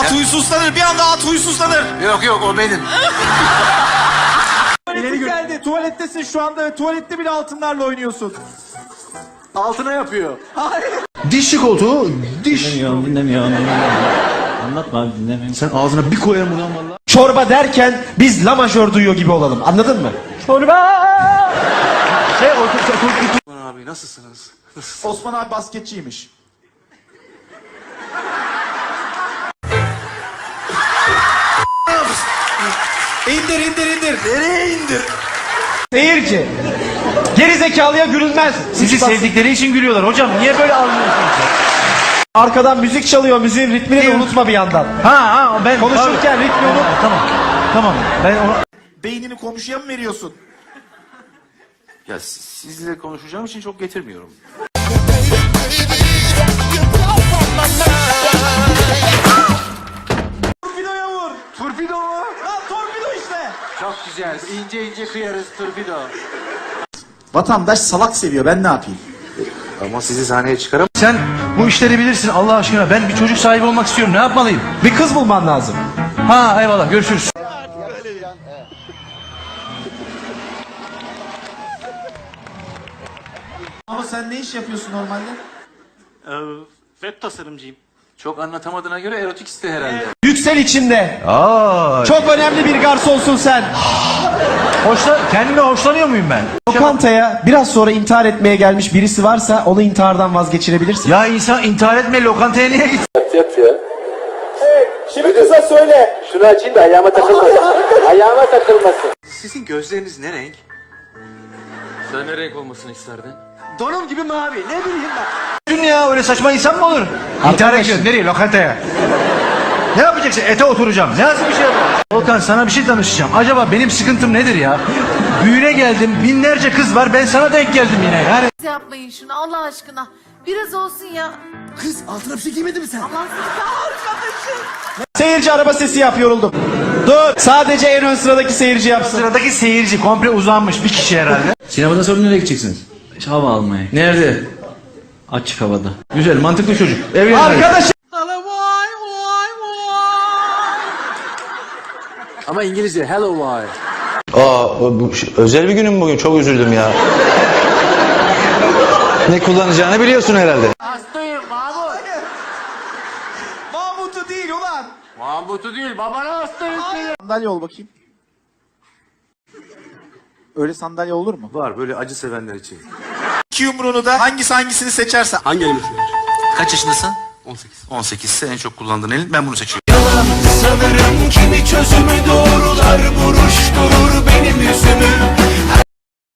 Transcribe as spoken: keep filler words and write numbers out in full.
At huysuzlanır, bir anda at huysuzlanır. Yok yok, o benim. İleri geldi, tuvalettesin şu anda ve tuvalette bile altınlarla oynuyorsun. Altına yapıyor. Dişli koltuğu, diş. Dinlemiyorum, dinlemiyorum. Anlatma abi, dinlemiyorum. Sen ağzına bir koyarım ulan valla. Çorba derken biz la majör duyuyor gibi olalım, anladın mı? Çorba! Şey, o Abi nasılsınız? Osman abi basketçiymiş. İndir indir indir. Nereye indir? Seyirci. Geri zekalıya gülünmez. Sizi sevdikleri için gülüyorlar hocam. Niye böyle anlıyorsunuz? Arkadan müzik çalıyor, müziğin ritmini de unutma bir yandan. Ha ha ben Konuşurken abi. ritmi unut. Tamam. Tamam. Ben onu... Beynini komşuya mı veriyorsun? Ya sizle konuşacağım için çok getirmiyorum. Torpidoya vur. Torpido mu? Lan torpido işte. Çok güzel. İnce ince kıyarız torpido. Vatandaş salak seviyor, ben ne yapayım? Ama sizi sahneye çıkaram. Sen bu işleri bilirsin Allah aşkına. Ben bir çocuk sahibi olmak istiyorum. Ne yapmalıyım? Bir kız bulman lazım. Ha eyvallah görüşürüz. Ama sen ne iş yapıyorsun normalde? Ee, web tasarımcıyım. Çok anlatamadığına göre erotik iste herhalde. Yüksel içinde. Aa. Çok önemli bir garsonsun sen. Hoşla, kendime hoşlanıyor muyum ben? Lokantaya biraz sonra intihar etmeye gelmiş birisi varsa onu intihardan vazgeçirebilirsin. Ya insan intihar etme, lokantaya niye git? Şimdi kısa söyle. Şunu açayım da ayağıma takılmasın. Ayağıma takılmasın. Sizin gözleriniz ne renk? Sen ne renk olmasını isterdin? Donum gibi mavi. Ne bileyim ben. Dün ya öyle saçma insan mı olur? İntihar ediyorsun. Nereye? Lokantaya. Ne yapacaksın? Ete oturacağım. Ne nasıl bir şey yapalım? Volkan sana bir şey danışacağım. Acaba benim sıkıntım nedir ya? Düğüne geldim. Binlerce kız var. Ben sana denk geldim yine. Yani Yapmayın şunu Allah aşkına. Biraz olsun ya. Kız altına bir şey giymedin mi sen? Allah sizi arkadaşım. Seyirci araba sesi yap, yoruldum. Dur. Sadece en ön sıradaki seyirci yapsın. sıradaki seyirci komple uzanmış bir kişi herhalde. Sinemada sonra nereye gideceksiniz? Hava almaya. Nerede? Açık havada. Güzel, mantıklı çocuk. Evlenin. Arkadaşım. Ama İngilizce hello why. Aa, bu, özel bir günüm bugün. Çok üzüldüm ya. Ne kullanacağını biliyorsun herhalde. Hastayım Mahmut. Mahmut'u değil ulan. Mahmut'u değil babana hastayım. Sandalye ol bakayım. Öyle sandalye olur mu? Var böyle acı sevenler için. İki yumruğunu da hangisi hangisini seçerse. Hangi elimi Kaç yaşındasın? on sekiz. on sekiz. En çok kullandığın elin. Ben bunu seçiyorum. Sanırım kimi çözümü